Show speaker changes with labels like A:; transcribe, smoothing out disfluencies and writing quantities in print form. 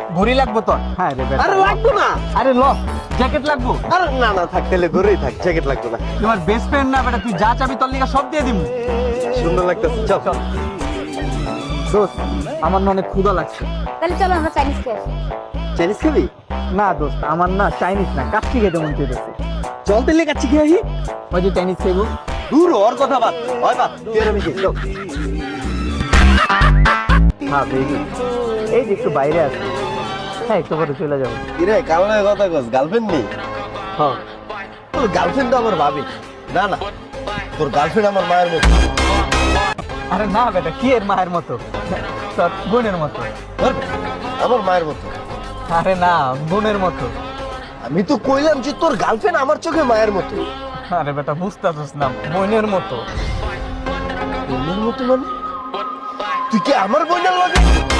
A: ঘড়ি লাগবো তোর? হ্যাঁ রে বেটা।
B: আরে লাগবে না।
A: আরে ল, জ্যাকেট লাগবো?
B: আরে না না থাক, তাহলে ঘুরেই থাক, জ্যাকেট লাগবে না।
A: তোমার বেস্ট ফ্রেন্ড না বেটা, তুই যা চাবি তোর লিগা সব দিয়ে দিমু।
B: সুন্দর লাগতেছে, চল চল।
A: দোস্ত, আমার না অনেক ক্ষুধা লাগছে।
C: তাহলে চলো আমরা চাইনিজ খেয়ে আসি।
B: চাইনিজ খাবি?
A: না দোস্ত, আমার না চাইনিজ না, কাচ্চি খেতে মন চাইতেছে।
B: চল তাহলে কাচ্চি খেয়ে আসি।
A: ওই যে চাইনিজ খাইবো।
B: দূর ওর কথা বাদ, হয় বাদ, তুই আর আমি যাই, চল।
A: হ্যাঁ বেবি, এই যে একটু বাইরে আছে। হ্যাঁ একটু পরে চলে যাবো।
B: কিরে কামড়ের কথা কস, গার্লফ্রেন্ড নেই?
A: হ্যাঁ।
B: তোর গার্লফ্রেন্ড তো আমার ভাবি। না না, তোর গার্লফ্রেন্ড আমার মায়ের মতো।
A: আরে না বেটা, কি এর মায়ের মতো? তোর বোনের মতো।
B: ধর, আমার মায়ের মতো।
A: আরে না, বোনের মতো।
B: আমি তো কইলাম যে তোর গার্লফ্রেন্ড আমার চোখে মায়ের মতো।
A: আরে বেটা বুঝতেছিস না, বোনের মতো।
B: বোনের মতো মানে? তুই কি আমার বোনের লাগে?